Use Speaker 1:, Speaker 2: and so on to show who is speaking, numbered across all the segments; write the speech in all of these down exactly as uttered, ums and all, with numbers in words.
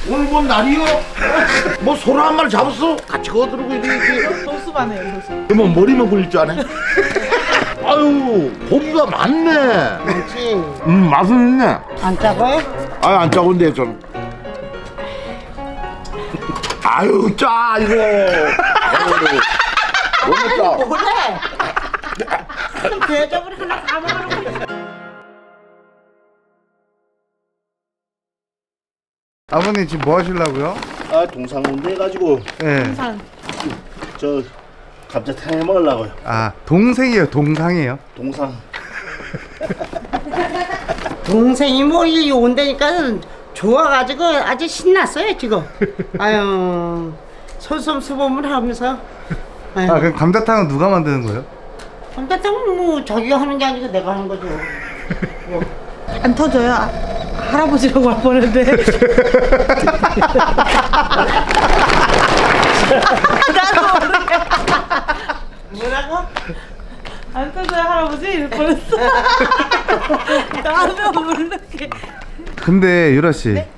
Speaker 1: 오늘 뭔 날이요? 뭐 소라 한 마리 잡았어? 같이 거들고 이렇게.
Speaker 2: 도수만 해요, 도수.
Speaker 1: 그러면 머리만 굴릴 줄 아네? 아유, 고기가 많네.
Speaker 3: 그렇지.
Speaker 1: 음, 맛은 있네.
Speaker 3: 안 짜고요?
Speaker 1: 아유, 안 짜고인데 좀. 아유, 짜 이거. 아유, 너무 짜.
Speaker 3: 뭐래? 대접을 하나 다 먹어놓고 있어.
Speaker 4: 아버님 지금 뭐 하시려고요?
Speaker 1: 아, 동상 운동 해가지고
Speaker 4: 예.
Speaker 2: 항상
Speaker 1: 저 감자탕 해 먹으려고요.
Speaker 4: 아 동생이에요, 동상이에요.
Speaker 1: 동상.
Speaker 3: 동생이 뭐 이 온다니까 좋아가지고 아주 신났어요 지금. 아유 솔선수범을 하면서. 아유,
Speaker 4: 아 그럼 감자탕은 누가 만드는 거예요?
Speaker 3: 감자탕은 뭐 자기가 하는 게 아니고 내가 하는 거죠. 뭐.
Speaker 2: 안 터져요. 아, 할아버지라고 할 뻔했는데. 나도 모르게.
Speaker 3: 뭐라고?
Speaker 2: 안 터져요, 할아버지? 이럴 뻔했어. 나도 모르게.
Speaker 4: 근데 유라 씨
Speaker 2: 네?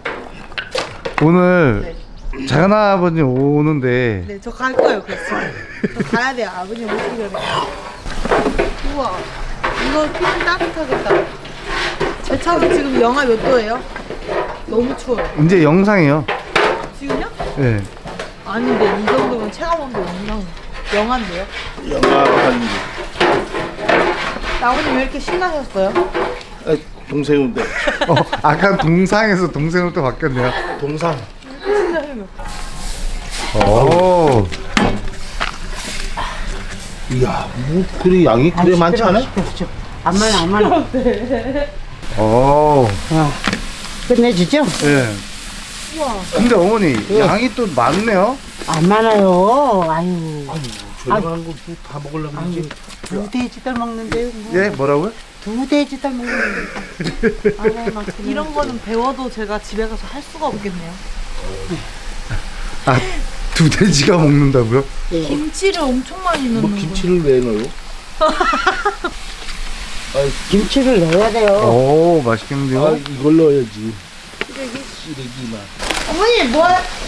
Speaker 4: 오늘 작은 아버님 오는데
Speaker 2: 네, 저 갈 거예요, 그랬어. 저 가야 돼요, 아버님 오시기 전에. 우와, 이거 피부 따뜻하겠다. 제 차는 지금 영하 몇 도예요? 너무 추워요.
Speaker 4: 이제 영상이에요.
Speaker 2: 지금요?
Speaker 4: 예.
Speaker 2: 아닌데, 이 정도면 체감온도 영상, 영한데요?
Speaker 1: 영화 한
Speaker 2: 아버님 왜 이렇게 신나셨어요?
Speaker 1: 아, 동생인데.
Speaker 4: 어 아까 동상에서 동생으로 또 바뀌었네요.
Speaker 1: 동상.
Speaker 2: 신나요.
Speaker 4: 오.
Speaker 1: 이야, 뭐 그래 양이 그래 많지 않아?
Speaker 3: 그렇죠. 안 많아 안 많아.
Speaker 4: 오.
Speaker 3: 어. 끝내주죠?
Speaker 4: 예.
Speaker 2: 우와.
Speaker 4: 근데 어머니 양이 또 많네요.
Speaker 3: 안 많아요. 아유.
Speaker 1: 저희가 하는 거 다 먹으려면 이제
Speaker 3: 두 돼지들 먹는데요. 뭐.
Speaker 4: 예, 뭐라고요?
Speaker 3: 두 돼지들 먹는데. 아유, 막
Speaker 2: 이런 거는 배워도 제가 집에 가서 할 수가 없겠네요.
Speaker 4: 아, 두 돼지가 먹는다고요?
Speaker 2: 김치를 엄청 많이 넣는
Speaker 1: 뭐
Speaker 2: 거.
Speaker 1: 김치를 왜 넣어요?
Speaker 3: 김치를 넣어야 돼요.
Speaker 4: 오, 맛있겠는데요?
Speaker 1: 아, 이걸 넣어야지. 시래기만.
Speaker 2: 어머니 뭐?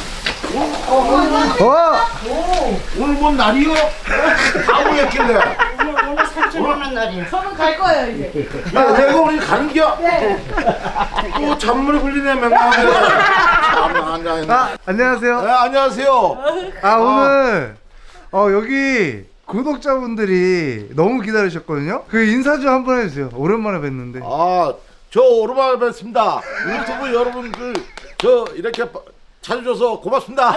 Speaker 4: 어!
Speaker 1: 오늘 뭔 날이요? 아무였길래.
Speaker 3: 오늘 오늘 삼촌 오는 날이에요.
Speaker 2: 저는 갈 거예요 이제.
Speaker 1: 야, 내가 오늘 가는 겨?
Speaker 2: 네.
Speaker 1: 또 잔물이 굴리네, 맹랑하게. 참, 앉아있네.
Speaker 4: 아, 안녕하세요.
Speaker 1: 네, 안녕하세요.
Speaker 4: 아, 오늘 어, 여기 구독자분들이 너무 기다리셨거든요. 그 인사 좀 한번 해주세요. 오랜만에 뵀는데.
Speaker 1: 아, 저 오랜만에 뵙습니다. 유튜브 여러분들, 저 이렇게 찾아줘서 고맙습니다.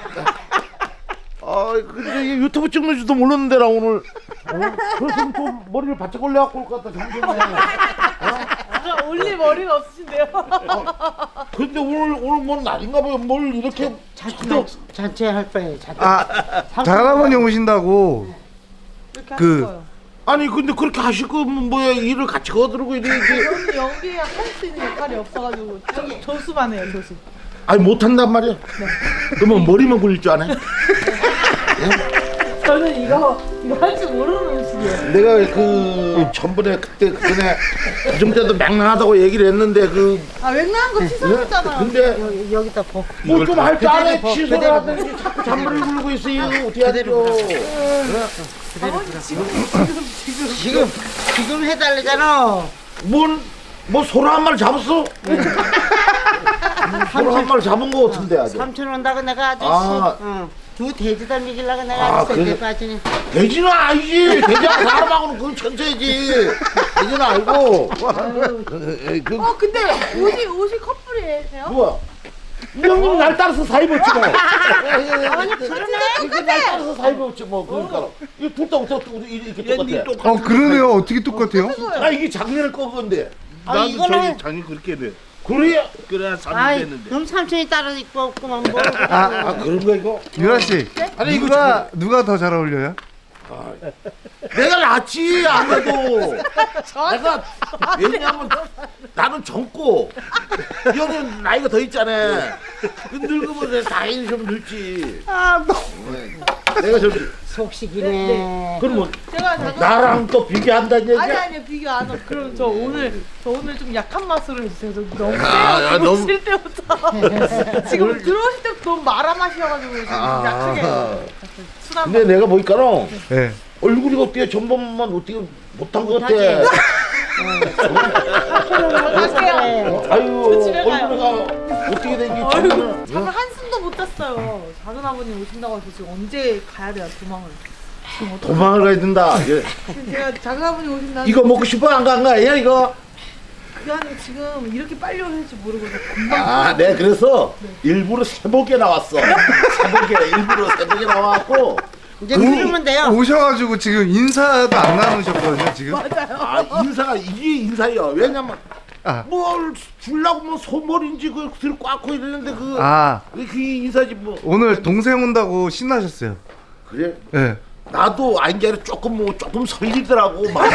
Speaker 1: 아, 근데 이 유튜브 찍는 줄도 몰랐는데, 나 오늘. 어? 그래서 좀 머리를 바짝 올려갖고 올 것 같다, 정말.
Speaker 2: 아, 올릴 머리가 없으신데요?
Speaker 1: 근데 오늘, 오늘 뭔 날인가 봐요. 뭘 이렇게.
Speaker 3: 잔치 잔치 할 거예요. 잔치.
Speaker 4: 아, 작은아버님 오신다고.
Speaker 2: 이렇게
Speaker 4: 그-
Speaker 2: 하실 거예요.
Speaker 1: 아니, 근데 그렇게 하실 거면 뭐야, 일을 같이 거들고 이렇게.
Speaker 2: 저는 연기에 할 수 있는 역할이 없어가지고 조, 조수만 해요 조수.
Speaker 1: 아니, 못한단 말이야. 그러면 머리만 굴릴 줄 아네?
Speaker 2: 저는 이거 이거 할 줄 모르는 음식이에요.
Speaker 1: 내가 그 전번에 그때 그전에 좀 때도 맹랑하다고 얘기를 했는데 그
Speaker 2: 아 웬만한 거 취소했잖아요.
Speaker 1: 근데
Speaker 3: 여기, 여기다 버.
Speaker 1: 뭐 좀 할 줄 아네.
Speaker 3: 그대로
Speaker 1: 취소를
Speaker 3: 그대로
Speaker 1: 하더니 자꾸 잔머리 굴리고 있어. 이거 어떻게 하죠?
Speaker 2: 아버지 지금 지금 지금
Speaker 3: 지금 지금 해달래잖아.
Speaker 1: 뭔, 뭐 소라 한 마리 잡았어? 소라 한 마리 잡은 거 같은데 아주.
Speaker 3: 삼촌 온다고 내가 아저씨.
Speaker 1: 아.
Speaker 3: 응. 두 돼지들 먹이려고 내가
Speaker 1: 아,
Speaker 3: 아저씨
Speaker 1: 그래.
Speaker 3: 때 빠지니.
Speaker 1: 돼지는 아니지. 돼지하고 사람하고는 그건 천차이지. 돼지는 알고. 에이, 그,
Speaker 2: 어 근데 옷이 옷이 커플이에요?
Speaker 1: 뭐야? 이 형님 날 따라서 사 입었지 뭐.
Speaker 3: 아니 그러네.
Speaker 1: 이게 날 따라서 사 입었지 뭐. 그러니까 이거 둘다 어떻게 이렇게 똑같아?
Speaker 4: 어, 그러네요. 어떻게 똑같아요?
Speaker 1: 아, 이게 작년에 거 건데.
Speaker 3: 아 이거는.
Speaker 5: 장이 그렇게 돼.
Speaker 1: 그래?
Speaker 5: 그래야 삼 년
Speaker 3: 아이
Speaker 5: 됐는데.
Speaker 3: 그럼 삼촌이 따로 입고 없구만 뭐.
Speaker 1: 아, 그런 거 이거?
Speaker 4: 유라 씨.
Speaker 1: 아니, 이거
Speaker 4: 누가 누가 더 잘 어울려요?
Speaker 1: 내가 낫지 아무래도. 내가 왜냐면 나는 젊고 이 형은 나이가 더 있잖아. 그 늙으면 당연히 좀 늙지.
Speaker 4: 아, 너.
Speaker 1: 내가 저기
Speaker 3: 속식이네.
Speaker 1: 그럼 뭐
Speaker 2: 제가 작은
Speaker 1: 나랑 또 비교한다는 얘기야?
Speaker 2: 아니 아니 비교 안 하고 그럼 저 오늘 저 오늘 좀 약한 맛으로 해주세요. 저 너무
Speaker 1: 아, 야,
Speaker 2: 세요.
Speaker 1: 너무-
Speaker 2: 들어오실 때부터 지금 들어오실 때부터 너무 마라 맛이어가지고 지금
Speaker 1: 아.
Speaker 2: 약하게 순한
Speaker 1: 근데 내가 보니까는
Speaker 4: 네.
Speaker 1: 얼굴이 어떻게 전번만 어떻게 못한 것 같아.
Speaker 3: 못하지.
Speaker 2: 맛이에요.
Speaker 1: 아유
Speaker 2: 집에 가요.
Speaker 1: 얼굴이가 어떻게 된지
Speaker 2: 얼굴
Speaker 1: 전번은
Speaker 2: 잠을 한숨도 못 잤어요. 작은 아버님 오신다고 해서 지금 언제 가야 돼요 도망을. 지금 어떡해.
Speaker 1: 도망을 가야 된다. 예.
Speaker 2: 지금 제가 작은 아버님 오신다.
Speaker 1: 이거 먹고 싶어 안 간 거야 이거?
Speaker 2: 그게 아니고 지금 이렇게 빨리 오실지 모르고 그냥 금방.
Speaker 1: 아, 내가 그래서 일부러 새벽에 나왔어. 새벽에 일부러 새벽에 나와갖고
Speaker 3: 이제 그러면 돼요.
Speaker 4: 오셔가지고 지금 인사도 안 나누셨거든요 지금.
Speaker 2: 맞아요.
Speaker 1: 아 인사가 이게 인사야. 왜냐면
Speaker 4: 아.
Speaker 1: 뭘 주려고 뭐 소머리인지 그걸 들고 꽉고 이러는데 그
Speaker 4: 아
Speaker 1: 그 인사지 뭐.
Speaker 4: 오늘 동생 온다고 신나셨어요.
Speaker 1: 그래?
Speaker 4: 네.
Speaker 1: 나도 아닌 게 아니라 조금 뭐 조금 설리더라고 마음이.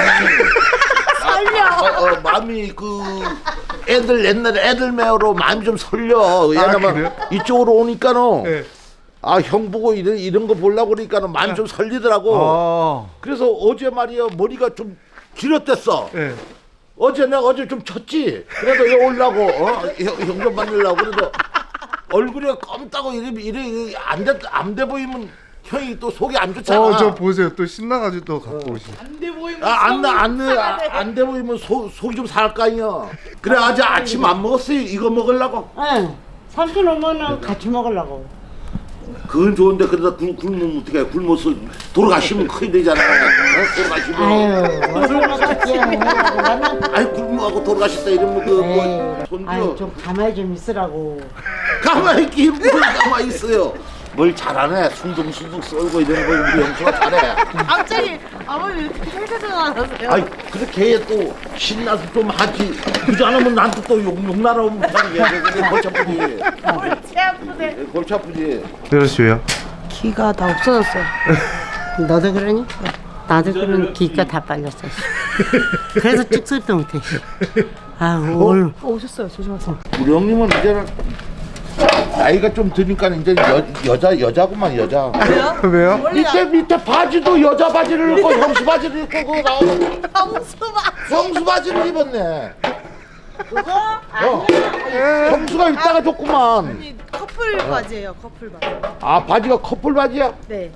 Speaker 1: 설려. 어, 어, 마음이 그 애들 옛날에 애들 매어로 마음이 좀 설려. 왜냐면
Speaker 4: 그래요?
Speaker 1: 이쪽으로 오니까는
Speaker 4: 네.
Speaker 1: 아 형 보고 이런 이런 거 보려고 그러니까는 마음이 좀 설리더라고.
Speaker 4: 아.
Speaker 1: 그래서 어제 말이야 머리가 좀 길었댔어.
Speaker 4: 네.
Speaker 1: 어제 내가 어제 좀 쳤지. 그래도 여기 올라고 어? 형 좀 만들려고 그래도 얼굴이 검다고 이래 이래 안돼안돼 보이면 형이 또 속이 안 좋잖아.
Speaker 4: 어 저 보세요 또 신나가지고 또 갖고 오시.
Speaker 2: 안돼 보이면
Speaker 1: 아안안안돼 보이면 속 속이 좀 살 거 아니야. 그래 아직 아침 안 먹었어요. 이거 먹으려고.
Speaker 3: 응. 삼촌 오면은 같이 먹으려고.
Speaker 1: 그건 좋은데 그러다 굶, 굶으면 어떻게 해. 굶어서 돌아가시면 큰일 되잖아. 어? 돌아가시면.
Speaker 3: 아유, 얼마나 같이야. 나는
Speaker 1: 아이 굶어가고 돌아가셨다 이러면 그뭐
Speaker 3: 아유,
Speaker 1: 손주
Speaker 3: 좀 가만히 좀 있으라고.
Speaker 1: 가만히 있기 뭘 가만히 있어요. 뭘 잘하네. 숭둥숭둥 썰고 이런 거 우리 영수가 잘해.
Speaker 2: 갑자기 아버님 이렇게 헬스장 안 하세요?
Speaker 1: 아이 그렇게 해 또 신나서 좀 하지. 그지 않으면 나한테 또 욕, 욕 날아오면 그냥 그래 골치 아프지.
Speaker 2: 골치 아프네.
Speaker 1: 골치 아프지.
Speaker 4: 그러시고요.
Speaker 2: 기가 다 없어졌어요.
Speaker 3: 너도 그러니? 나도 그런 기가 다 빨렸어. 그래서 찍소리도 못해. 아 오늘
Speaker 2: 어, 오셨어요. 조심하세요.
Speaker 1: 우리 형님은 이제는 나이가 좀 드니까 이제 여, 여자 여자구만 여자.
Speaker 2: 왜요?
Speaker 4: 왜요?
Speaker 2: 원래
Speaker 1: 밑에 밑에 바지도 여자 바지를 입고 형수 바지를 입고 그 나오고
Speaker 2: 방수만.
Speaker 1: 형수 바지를 입었네.
Speaker 3: 그거
Speaker 1: 어. 형수가 입다가 줬구만.
Speaker 2: 아니 커플 바지예요. 커플 바지.
Speaker 1: 아 바지가 커플 바지야?
Speaker 2: 네.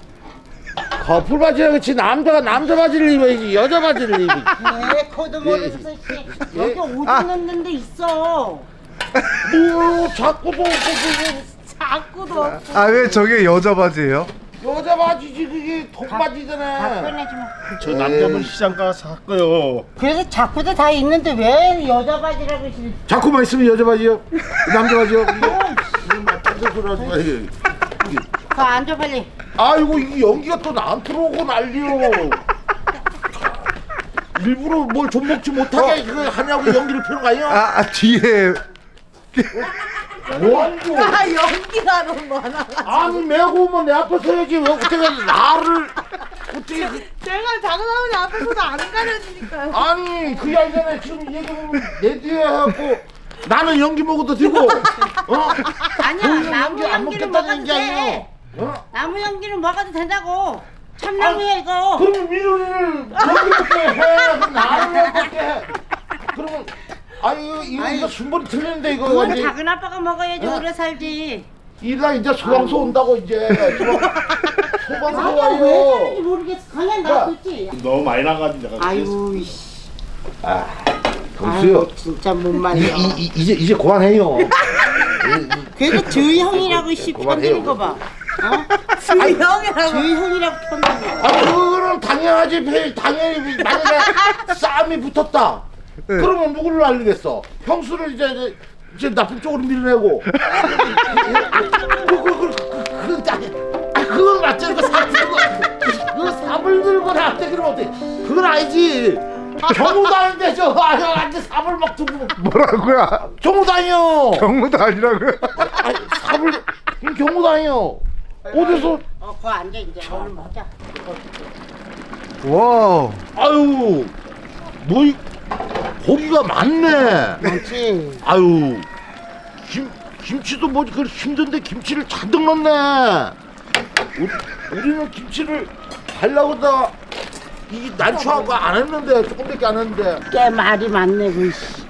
Speaker 1: 커플 바지야 그렇지. 남자가 남자 바지를 입어야지 여자 바지를 입지.
Speaker 3: 왜 코도 모르면서 씨. 여기 오줌 넣는 데 있어.
Speaker 1: 뭐 자꾸도 그,
Speaker 2: 자꾸도 없고.
Speaker 4: 아 왜 저게 여자 바지예요?
Speaker 1: 그, 여자 바지지 그게 돈
Speaker 3: 다
Speaker 1: 바지잖아.
Speaker 3: 꺼내지 마.
Speaker 5: 저 남자분 시장 가서 샀고요.
Speaker 3: 그래서 자꾸도 다 있는데 왜 여자 바지라고 그러지?
Speaker 1: 자꾸만 있으면 여자 바지요? 남자 바지요? 남자 소리 하지 마. 이게. 이게.
Speaker 3: 그 앉아 빨리.
Speaker 1: 아이고 이 연기가 또 나한테 오고 난리요. 일부러 뭘 좀 먹지 못하게 그 하냐고 연기를 펴는 거 아니야?
Speaker 4: 아, 아 뒤에
Speaker 1: 뭐하고?
Speaker 2: 아 연기가 너무 많아.
Speaker 1: 아니 메고 오면 내 앞에 서야지 왜 어떻게 나를 어떻게 그,
Speaker 2: 제가 작은 아버지 앞에서도 안 가려지니까요.
Speaker 1: 아니 그게 아니잖아. 지금 얘기하면 내 뒤에 해갖고 나는 연기 먹어도 되고 어?
Speaker 3: 아니야 나무
Speaker 1: 안
Speaker 3: 연기는
Speaker 1: 먹겠다는
Speaker 3: 먹어도
Speaker 1: 게 아니에요.
Speaker 3: 돼.
Speaker 1: 어?
Speaker 3: 나무 연기는 먹어도 된다고. 참나무야 이거.
Speaker 1: 그러면 민호이를 연기 먹게 해. 그럼 나를 먹게 해. 그러면 아유 이거 이거 순번이 틀리는데 이거
Speaker 3: 그건
Speaker 1: 완전
Speaker 3: 작은 아빠가 먹어야지
Speaker 1: 어?
Speaker 3: 오래 살지.
Speaker 1: 이다 이제 소방서 온다고 이제 소방서
Speaker 3: 아빠 왜
Speaker 1: 와요.
Speaker 3: 그런지 모르겠어. 그냥 놔뒀지.
Speaker 5: 너무 많이 나가지고 내가
Speaker 3: 아유 이씨.
Speaker 1: 경수요.
Speaker 3: 아유, 진짜 못 말려.
Speaker 1: 이, 이, 이제 이제 그만해요.
Speaker 3: 그래도 주희 형이라고 씨 편드는 거 봐. 어?
Speaker 2: 주희 형이라고.
Speaker 3: 주희 형이라고 편드는 거.
Speaker 1: 아 그거는 당연하지. 배- 당연히 만약에 싸움이 붙었다.
Speaker 4: 네.
Speaker 1: 그러면 누구를 알리겠어? 형수를 이제 이제, 이제 나쁜 쪽으로 밀어내고. 그그 그 그건 딱. 아 그건 맞잖아. 그 삽 들고 그 삽을 들고 나한테 그러면 어때? 그건 아니지. 경무도 아닌데 저 아저한테 삽을 막 들고
Speaker 4: 뭐라고요?
Speaker 1: 경무도 아니요.
Speaker 4: 경무도 아니라고요?
Speaker 1: 아니, 삽을 경무도 아니요. 어디서
Speaker 3: 어, 거 앉아 이제 오늘 먹자.
Speaker 4: 와우.
Speaker 1: 아유 뭐 이- 고기가 많네.
Speaker 3: 많지.
Speaker 1: 아유 김 김치도 뭐 그 힘든데 김치를 잔뜩 넣네. 우리, 우리는 김치를 하려고 다 이 난초하고 안 했는데 조금밖에 안 했는데
Speaker 3: 꽤 말이 많네 그 씨.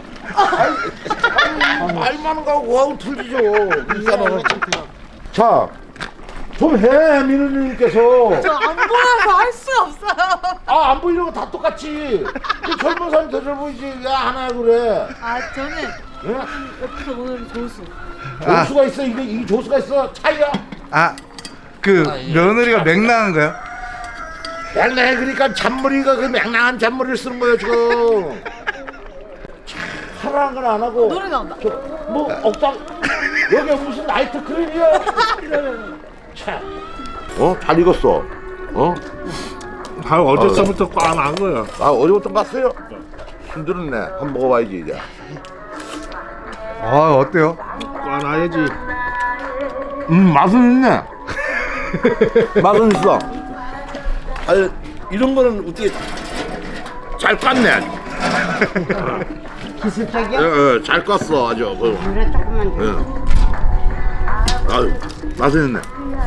Speaker 1: 말 많은 거하고 그거하고 틀리죠. 일단은 자, 좀 해, 민우님께서.
Speaker 2: 저 안 보여서 할 수 없어요.
Speaker 1: 아, 안 보이는 거 다 똑같지. 그 젊은 사람이 더 젊어 보이지. 야, 하나 그래.
Speaker 2: 아 저는
Speaker 1: 예?
Speaker 2: 옆에서 오늘 조수.
Speaker 1: 조수가 있어. 이게 이 조수가 있어. 차이야.
Speaker 4: 아, 그 며느리가 맥락한가요?
Speaker 1: 맹랑해. 그러니까 잔머리가 그 맹랑한 잔머리를 쓰는 거예요 지금. 사랑한 건 안 하고.
Speaker 2: 노래 나온다.
Speaker 1: 저, 뭐 억당 여기 무슨 나이트 클럽이야? 참. 어? 잘 익었어. 어?
Speaker 5: 아 어제서부터 꽝한 거야.
Speaker 1: 아 어제부터 갔어요? 힘들었네. 한번 먹어봐야지 이제.
Speaker 4: 아, 어때요?
Speaker 5: 꽝아야지.
Speaker 1: 음 맛은 있네. 맛은 있어. 아 이런 거는 어떻게 잘 깠네.
Speaker 3: 기술적이야?
Speaker 1: 예, 예, 잘 깠어 아주. 그,
Speaker 3: 그래 조금만 줘.
Speaker 1: 예. 아유 맛은 있네.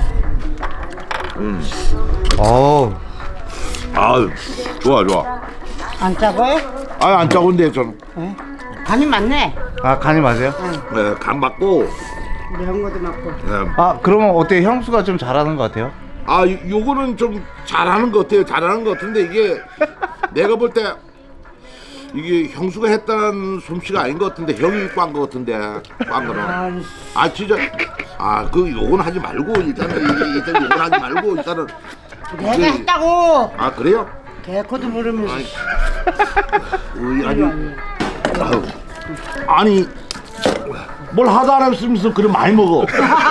Speaker 1: 음.
Speaker 4: 어우,
Speaker 1: 아유 좋아 좋아.
Speaker 3: 안 짜고요?
Speaker 1: 아유 안 짜고인데 저는
Speaker 3: 네. 간이 많네.
Speaker 4: 아, 간이 맞아요?
Speaker 1: 예, 간 맞고.
Speaker 3: 매운 것도 많고.
Speaker 1: 예.
Speaker 4: 아, 그러면 어때요? 형수가 좀 잘하는 것 같아요?
Speaker 1: 아 요- 요거는 좀 잘하는 것 같아요. 잘하는 것 같은데 이게 내가 볼 때 이게 형수가 했다는 솜씨가 아닌 것 같은데 형이 꽝 것 같은데 꽝 거는. 아 진짜 아 그 요건 하지 말고 일단은 이- 일단 요건 하지 말고 일단은.
Speaker 3: 내가
Speaker 1: 이게-
Speaker 3: 했다고.
Speaker 1: 아 그래요?
Speaker 3: 개코도 모르면서.
Speaker 1: 아이, 으이, 아니 아유, 아니 뭘 하다 안 했으면서 그래 많이 먹어.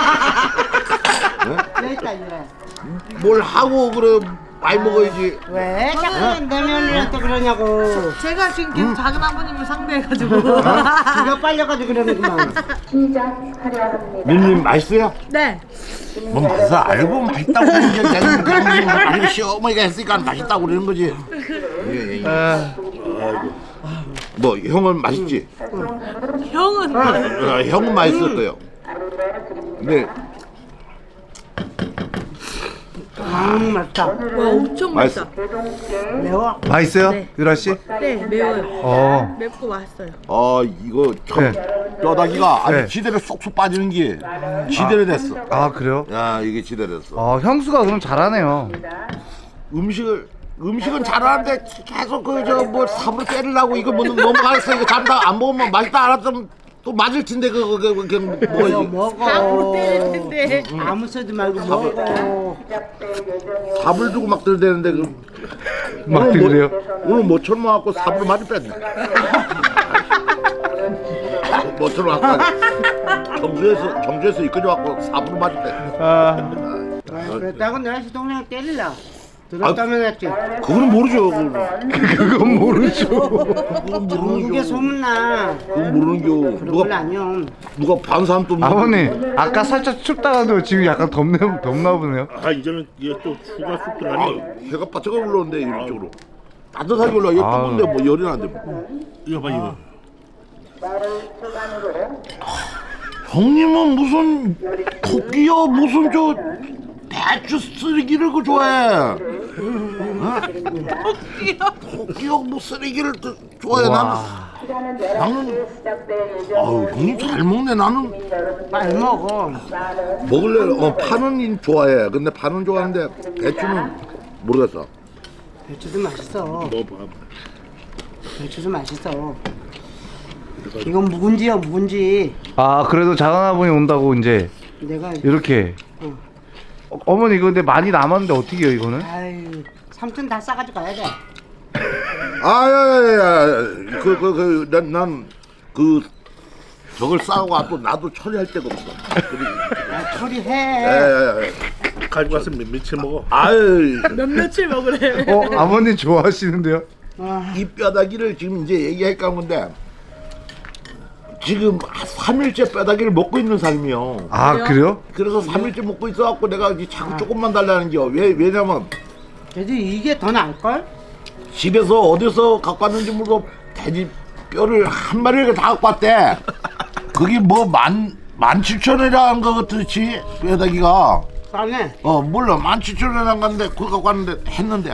Speaker 3: 여기 있다 이래.
Speaker 1: 뭘 하고 그래 많이 먹어야지.
Speaker 3: 왜 자꾸 내 며느리한테 그러냐고.
Speaker 2: 제가 지금 계속 작은 아버님을 상대해가지고.
Speaker 3: 기가 빨려가지고 그러는구만.
Speaker 1: 민님 맛있어요?
Speaker 2: 네.
Speaker 1: 뭐 맛있어 알고 맛있다고 그러는 게 내가 그런 거 아니고 시어머니가 했으니까 맛있다고 그러는 거지. 예, 예, 예.
Speaker 4: 아,
Speaker 1: 뭐 형은 맛있지?
Speaker 2: 형은
Speaker 1: 어, 형은 맛있을 거예요. 근데
Speaker 3: 음 맛있다.
Speaker 2: 와 엄청
Speaker 1: 맛있어.
Speaker 2: 맛있다.
Speaker 3: 매워.
Speaker 4: 맛있어요?
Speaker 2: 네.
Speaker 4: 유라 씨?
Speaker 2: 네 매워요.
Speaker 4: 어.
Speaker 2: 맵고 맛있어요.
Speaker 1: 어 이거 참
Speaker 4: 네.
Speaker 1: 뼈다귀가 아주
Speaker 4: 네.
Speaker 1: 지대로 쏙쏙 빠지는 게 지대로 됐어.
Speaker 4: 아, 그래요?
Speaker 1: 야 이게 지대로 됐어.
Speaker 4: 어, 형수가 그럼 잘하네요.
Speaker 1: 음식을 음식은 잘하는데 계속 그 저 뭐 삽으로 때리려고 이거 뭐 넘어가서 이거 잠다 안 먹으면 맛있다 알았으면 또 맞을 텐데 그거 그 그냥
Speaker 3: 먹어
Speaker 1: 먹어야지.
Speaker 2: 아무 때릴
Speaker 3: 먹어.
Speaker 2: 텐데.
Speaker 3: 아무 소리 말고 먹어.
Speaker 1: 삽을 주고 막 들대는데 그
Speaker 4: 막
Speaker 1: 오늘 뭐-
Speaker 4: 들으래요?
Speaker 1: 오늘 모처럼 와갖고 삽으로 많이 뺐네. 모처럼 와갖고 정주에서 정주에서 이끌려 갖고 삽으로 많이 뺐네.
Speaker 4: 아,
Speaker 3: 그랬다고 내가 시동생 때릴라. 들었다면 했지.
Speaker 1: 그거는 모르죠. 그거는,
Speaker 4: 그건 모르죠.
Speaker 1: 그건
Speaker 3: 전국에
Speaker 1: 모르는 겨.
Speaker 3: 소문나.
Speaker 1: 그건 모르는 겨.
Speaker 3: 그런 걸
Speaker 1: 누가
Speaker 3: 아니요.
Speaker 1: 누가 반 사람 또 모르는
Speaker 4: 아버님, 아까 살짝 춥다가도 지금 약간 덥네, 덥나 보네요.
Speaker 5: 아 이제는 이게 또 추가 쑥
Speaker 1: 아,
Speaker 5: 들어가니.
Speaker 1: 해가 바짝 올라오는데 이쪽으로 따뜻하게 올라. 이거
Speaker 4: 아유.
Speaker 1: 뜨거운데 뭐 열이 나는데 뭐.
Speaker 5: 이거 봐 이거.
Speaker 1: 형님은 무슨 토끼요 무슨 저 배추 쓰레기를 그 좋아해. 어? 토끼요 뭐 쓰레기를 또 좋아해. 나는 나는 아유 형님 잘 먹네. 나는
Speaker 3: 빨리 먹어.
Speaker 1: 먹을래. 어 파는 좋아해. 근데 파는 좋아하는데 배추는 모르겠어.
Speaker 3: 배추도 맛있어.
Speaker 5: 먹어봐.
Speaker 3: 배추도 맛있어. 이건 묵은지야 묵은지.
Speaker 4: 아, 그래도 작은 아버님 온다고 이제
Speaker 3: 내가
Speaker 4: 이렇게.
Speaker 3: 응.
Speaker 4: 어, 어머니, 이거 근데 많이 남았는데 어떻게 해요, 이거는?
Speaker 3: 아유 삼촌 다 싸가지고 가야 돼.
Speaker 1: 아야야야 그 그 그 난 난 그 저걸 싸고 또 나도 처리할 데가 없어.
Speaker 3: 아, 처리해.
Speaker 1: 야야야.
Speaker 5: 가지고 와서 몇 며칠 먹어.
Speaker 1: 아유
Speaker 2: 몇 며칠 먹으래.
Speaker 4: 어, 아버님 좋아하시는데요?
Speaker 3: 아,
Speaker 1: 이 뼈다귀를 지금 이제 얘기할까 하는데 지금 삼 일째 뼈다귀를 먹고 있는 삶이요.
Speaker 4: 아, 그래요?
Speaker 1: 그래서 삼 일째 먹고 있어갖고 내가 이제 자꾸 조금만 달라는 게 왜 왜냐면
Speaker 3: 그래도 이게 더 나을걸?
Speaker 1: 집에서 어디서 갖고 왔는지 모르고 돼지 뼈를 한 마리를 다 갖고 왔대. 그게 뭐 만 만 칠천 원이라는 거 같지 뼈다귀가.
Speaker 3: 싸네.
Speaker 1: 어 물론 만 칠천 원에 안 갔는데 그거 갖고 왔는데 했는데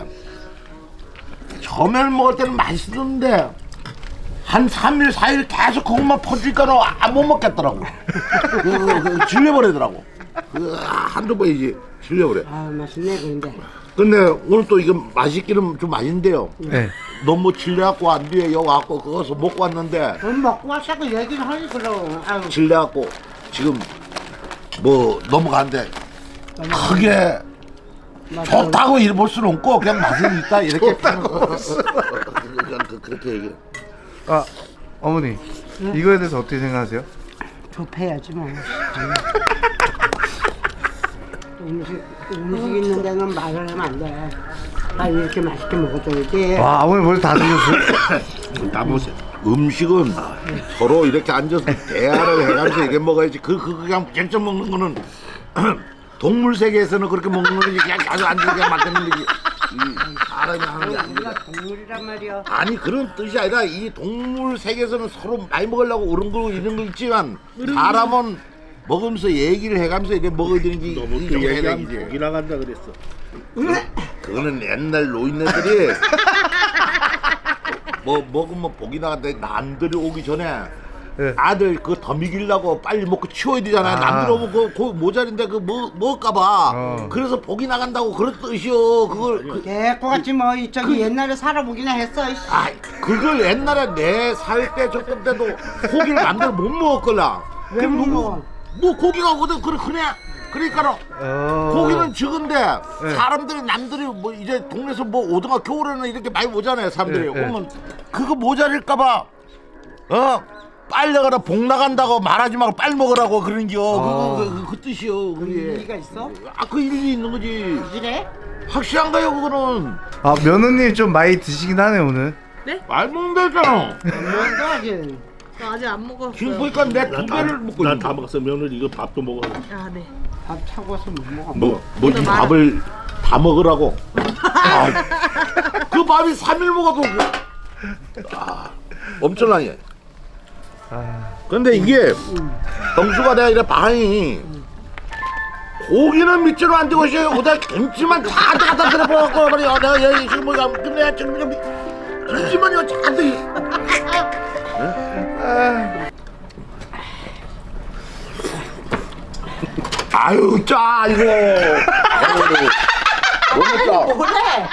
Speaker 1: 처음에는 먹을 때는 맛있었는데 한 삼 일 사 일 계속 그것만 퍼주니까는 안 못 먹겠더라고. 그, 그, 그, 질려버리더라고. 그, 한두 번이지 질려버려.
Speaker 3: 아 맛있네 근데.
Speaker 1: 근데 오늘 또 이거 맛있기는 좀 맛있는데요.
Speaker 4: 네.
Speaker 1: 너무 질려갖고 안 뒤에 여기 왔고 그거서 먹고 왔는데
Speaker 3: 돈 먹고 왔다고 얘기를 하지 그럼. 아유.
Speaker 1: 질려갖고 지금 뭐 넘어가는데 크게 좋다고 이래 볼 수는 없고 그냥 맛은 있다 이렇게 그냥 그- 그렇게 얘기해.
Speaker 4: 아 어머니 이거에 대해서 어떻게 생각하세요?
Speaker 3: 좁혀야지 뭐. 음식 음식 있는 데는 말을 하면 안 돼. 아 이렇게 맛있게 먹어줘야지.
Speaker 4: 와 아버님 벌써 다 드셨어요?
Speaker 1: 다 보세요. 음식은 서로 이렇게 앉아서 대화를 해가면서 이게 먹어야지. 그, 그 그냥 직접 먹는 거는 동물 세계에서는 그렇게 먹는 거지. 그냥 계속 앉아서 그냥 만드는 거지. 이 사람이 하는 게
Speaker 3: 우리가
Speaker 1: 아닙니다.
Speaker 3: 동물이란 말이야.
Speaker 1: 아니 그런 뜻이 아니라 이 동물 세계에서는 서로 많이 먹으려고 오른 거 이런 거 있지만 사람은 먹으면서 얘기를 해가면서 이렇게 먹어야 되는 게
Speaker 5: 너무
Speaker 1: 이
Speaker 5: 그
Speaker 1: 정도
Speaker 5: 얘기하면
Speaker 1: 해야지.
Speaker 5: 고기 나간다 그랬어.
Speaker 1: 그거는 옛날 노인네들이 뭐 먹으면 복이 나간다. 남들이 오기 전에
Speaker 4: 네.
Speaker 1: 아들 그거 더 먹이려고 빨리 먹고 치워야 되잖아요.
Speaker 4: 아.
Speaker 1: 남들 오면 그, 그 모자린데 그 뭐, 먹을까봐
Speaker 4: 어.
Speaker 1: 그래서 복이 나간다고 그런 뜻이요. 그걸 그,
Speaker 3: 개코같이 뭐 이 저기 옛날에 살아보기나 했어. 이씨.
Speaker 1: 아 그걸 옛날에 내 살 때 조금 때도 고기를 만들어 못 먹었걸라.
Speaker 3: 왜
Speaker 1: 그럼
Speaker 3: 못
Speaker 1: 누구-
Speaker 3: 먹어?
Speaker 1: 뭐 고기가 어디 그래 그래 그러니까
Speaker 4: 어...
Speaker 1: 고기는 적은데
Speaker 4: 네.
Speaker 1: 사람들이 남들이 뭐 이제 동네에서 뭐 오등학 겨울에는 이렇게 많이 오잖아요 사람들이.
Speaker 4: 네, 네.
Speaker 1: 오면 그거 모자랄까봐 어 빨리 가라 복 나간다고 말하지 말고 빨리 먹으라고 그러는겨.
Speaker 4: 아.
Speaker 1: 그거 그, 그, 그 뜻이요 그게.
Speaker 3: 일리가 있어?
Speaker 1: 아 그 일리 있는 거지.
Speaker 3: 그래?
Speaker 1: 확실한가요 그거는?
Speaker 4: 아 며느님 좀 많이 드시긴 하네 오늘.
Speaker 1: 말 먹는다 했잖아.
Speaker 3: 뭔도 아직.
Speaker 2: 저 아직 안 먹었어요.
Speaker 1: 지금 보니까 내 두 배를 먹고 있는
Speaker 5: 난다 먹었어. 며느리 이거 밥도 먹어.
Speaker 2: 아 네.
Speaker 3: 밥 차고서 못 먹어.
Speaker 1: 뭐, 뭐 이
Speaker 2: 그래도 말-
Speaker 1: 밥을 다 먹으라고. 아, 그 밥이 삼 일 먹어도 그, 아, 엄청나게.
Speaker 4: 아...
Speaker 1: 근데 이게 정수가 내가 이래 반이 고기는 밑으로 안 되고 있어요. 오다 김치만 다 갖다 들어보고 말이야. 내가 여기 지금 뭐가 근데 지금 좀 김치만 이거 잔뜩. 아유 짜 이거. 아유, 너무 짜.
Speaker 3: 뭐래?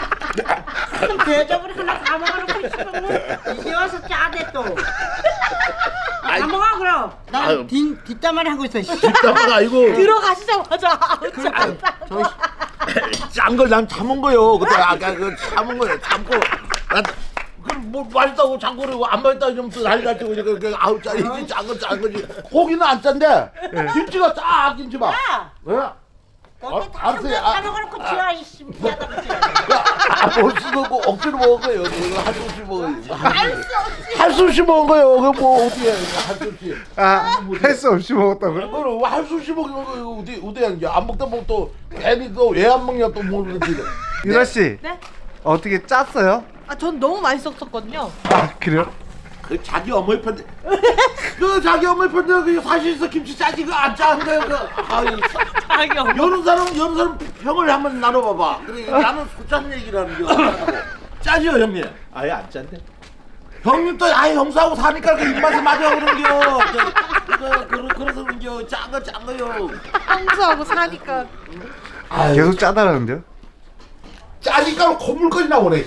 Speaker 3: 대접을 하나 다 먹어놓고 싶으면 이제 와서 짜대 또. 다 먹어 그럼.
Speaker 1: 아유.
Speaker 3: 난 뒷, 뒷담화를 하고 있어. 씨.
Speaker 1: 뒷담화가 이거
Speaker 2: 들어가시자마자 아우 짜.
Speaker 1: 짠 걸 난 참은 거요. 그때 아까 그 참은 거예요. 참고 난 그럼 뭐 맛있다고 참고 그러고 안 맛있다 이러면 또 난리 났지. 그, 그, 아우 짜지 짠건 짠 거지. 고기는 안 짠데 김치가 짜 김치 봐.
Speaker 3: 야,
Speaker 1: 왜?
Speaker 3: 너한테
Speaker 1: 아, 알았어요. 아,
Speaker 3: 다 먹어놓고 지어 이씨. 미안하다 그치?
Speaker 1: 아볼 수도 없고 억지로 먹은 거예요. 이거 할 수 없이 먹은 거예요. 할 수 없이 먹은 거예요. 그거 뭐 어떻게 할 수 없이.
Speaker 4: 아할 수 없이 먹었다고요?
Speaker 1: 그거는 할 수 없이 먹은 거예요. 어디 어디 하는지 안 먹다 보면 또 괜히 또 왜 안 먹냐 또 모르는지.
Speaker 4: 유라 씨
Speaker 2: 네?
Speaker 4: 어떻게 짰어요?
Speaker 2: 아 전 너무 맛있었거든요.
Speaker 4: 아 그래요?
Speaker 1: 그 자기 어머니 편데 그 자기 어머니 편데 그 사실서 김치 짜지 그 안 짜는 거예요. 그 아이
Speaker 2: 자기 엄마.
Speaker 1: 여느 사람 여느 사람 평을 한번 나눠봐봐. 그래 나는 소짠 얘기라는 게 짜지요 형님.
Speaker 5: 아예 안 짠데.
Speaker 1: 형님 또 아예 형수하고 사니까 그 입맛에 맞아 그런겨. 그, 그, 그, 그래서 그런겨 짠거 짠 거요.
Speaker 2: 형수하고 사니까
Speaker 4: 아, 계속 짜다라는데요?
Speaker 1: 짜니까 콧물까지 나오네.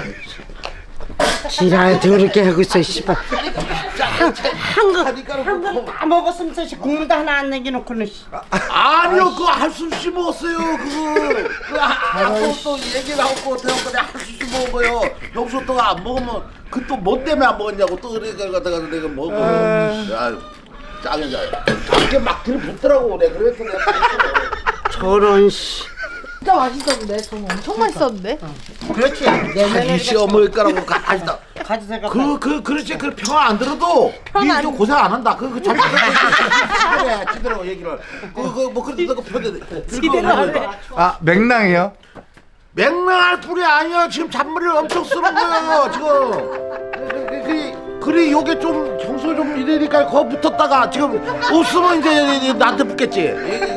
Speaker 3: 지랄 더럽게 하고 있어 씨발.
Speaker 1: 짜니까 콧물.
Speaker 3: 다 먹었으면서 씨 국물도 하나 안 남겨놓고는 씨.
Speaker 1: 아니요 그거 할 수 없이 먹었어요 그거. 그 아까 또 얘기 나오고 대형들이 할 수 없이 먹은 거요. 형수 또가 안 먹으면 그 또 뭐 때문에 안 먹었냐고 또 그러니까 갖다가 내가 먹고. 야 짜게 짜게. 짜게 막 들붙더라고 내가 그래서 내가.
Speaker 3: 저런 씨.
Speaker 2: 진짜 맛있었는데 저는 엄청 맛있었는데.
Speaker 3: 그렇지.
Speaker 1: 자기
Speaker 3: 내년에
Speaker 1: 시어머니 거라고 가지다.
Speaker 3: 가지 생각.
Speaker 1: 그, 그, 그렇지. 그 평화 안 들어도
Speaker 2: 평화
Speaker 1: 니
Speaker 2: 안-
Speaker 1: 고생 안 한다. 그, 그, 참, 그래, 지대로 얘기를. 그, 그, 뭐, 그래도 그 편에.
Speaker 2: 지대로 하네.
Speaker 4: 아 맥랑이요?
Speaker 1: 맹랑할 뿐이 아니야. 지금 잔머리를 엄청 쓰는 거예요. 지금. 그, 그, 그, 그래, 요게 좀, 청소 좀 이러니까 거 붙었다가 지금 없으면 이제 나한테 붙겠지.